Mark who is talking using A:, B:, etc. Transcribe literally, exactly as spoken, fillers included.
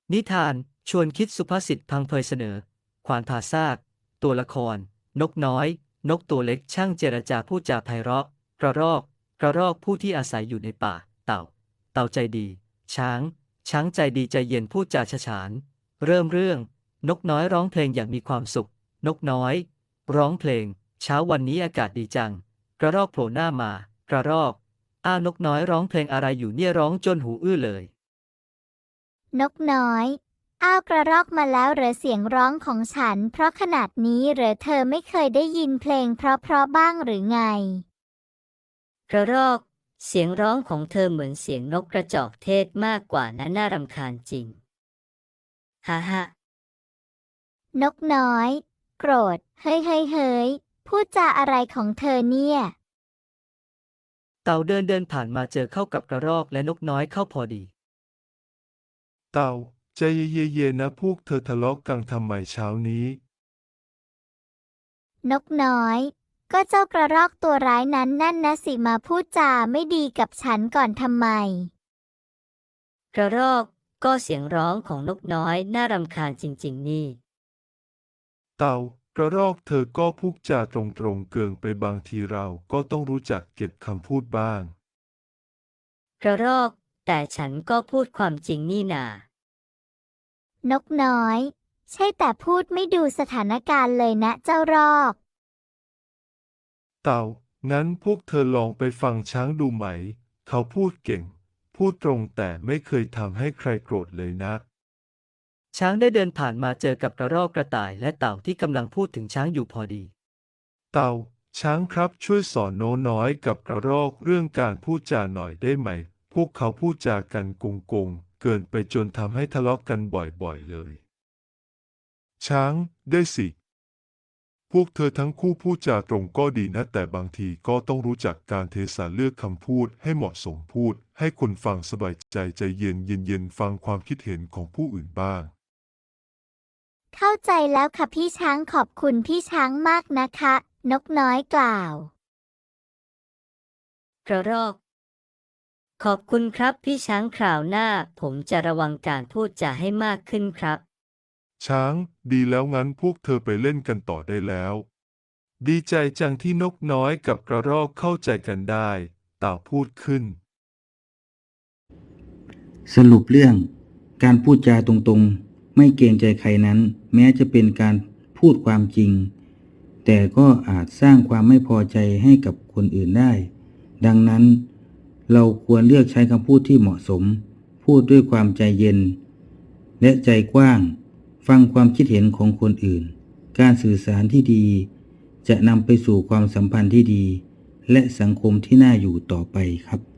A: นิทานชวนคิดสุภาษิตพังเพยเสนอ ขวานผ่าซาก ตัวละคร นกน้อย นกตัวเล็กช่างเจรจาพูดจาไพเราะ กระรอก กระรอกผู้ที่อาศัยอยู่ในป่า เต่า เต่าใจดี ช้าง ช้างใจดีใจเย็นพูดจาฉะฉาน เริ่มเรื่อง นกน้อยร้องเพลงอย่างมีความสุข นกน้อย ร้องเพลง เช้าวันนี้อากาศดีจัง กระรอกโผล่หน้ามา กระรอก อ้าวนกน้อยร้องเพลงอะไรอยู่เนี่ยร้องจนหูอื้อเลย
B: นกน้อย อ้าวกระรอกมาแล้วเหรอเสียงร้องของฉัน เพราะขนาดนี้เหรอเธอไม่เคยได้ยินเพลงเพราะๆบ้างหรือไง
C: กระรอก เสียงร้องของเธอเหมือนเสียงนกกระจอกเทศมากกว่านะน่ารำคาญจริง ฮ่าฮ่าน
B: กน้อย โกรธ เฮ้ยเฮ้ยเฮ้ยพูดจาอะไรของเธอเนี่ย
A: เต่าเดินเดินผ่านมาเจอเข้ากับกระรอกและนกน้อยเข้าพอดี
D: เต่าใจเย็นๆนะพวกเธอทะเลาะกันทำไมเช้านี้
B: นกน้อย ก็เจ้ากระรอกตัวร้ายนั้นนั่นนะสิมาพูดจาไม่ดีกับฉันก่อนทำไม
C: กระรอก ก็เสียงร้องของนกน้อยน่ารำคาญจริงๆนี่
D: เต่ากระรอกเธอก็พูดจาตรงๆเกินไปบางทีเราก็ต้องรู้จักเก็บคำพูดบ้าง
C: กระรอก แต่ฉันก็พูดความจริงนี่นาน
B: กน้อย ใช่แต่พูดไม่ดูสถานการณ์เลยนะเจ้ารอก
D: เต่า งั้นพวกเธอลองไปฟังช้างดูไหม เขาพูดเก่ง พูดตรงแต่ไม่เคยทำให้ใครโกรธเลยนะ
A: ช้างได้เดินผ่านมาเจอกับกระรอกกระต่ายและเต่าที่กำลังพูดถึงช้างอยู่พอดี
D: เต่า ช้างครับช่วยสอนโน้น้อยกับกระรอกเรื่องการพูดจาหน่อยได้ไหม พวกเขาพูดจากันโกงๆเกินไปจนทำให้ทะเลาะกันบ่อยๆเลย ช้าง ได้สิ พวกเธอทั้งคู่พูดจาตรงก็ดีนะแต่บางทีก็ต้องรู้จักการเทศะเลือกคำพูดให้เหมาะสมพูด ให้คนฟังสบายใจใจเย็นเย็นๆฟังความคิดเห็นของผู้อื่นบ้าง
B: เข้าใจแล้วค่ะพี่ช้างขอบคุณพี่ช้างมากนะคะ นกน้อยกล่าว
C: กระรอก ขอบคุณครับพี่ช้างคราวหน้าผมจะระวังการพูดจาให้มากขึ้นครับ
D: ช้าง ดีแล้วงั้นพวกเธอไปเล่นกันต่อได้แล้ว ดีใจจังที่นกน้อยกับกระรอกเข้าใจกันได้เต่าพูดขึ้น
E: สรุปเรื่อง การพูดจาตรงๆไม่เกรงใจใครนั้น แม้จะเป็นการพูดความจริง แต่ก็อาจสร้างความไม่พอใจให้กับคนอื่นได้ ดังนั้น เราควรเลือกใช้คำพูดที่เหมาะสม พูดด้วยความใจเย็น และใจกว้าง ฟังความคิดเห็นของคนอื่น การสื่อสารที่ดี จะนำไปสู่ความสัมพันธ์ที่ดี และสังคมที่น่าอยู่ต่อไปครับ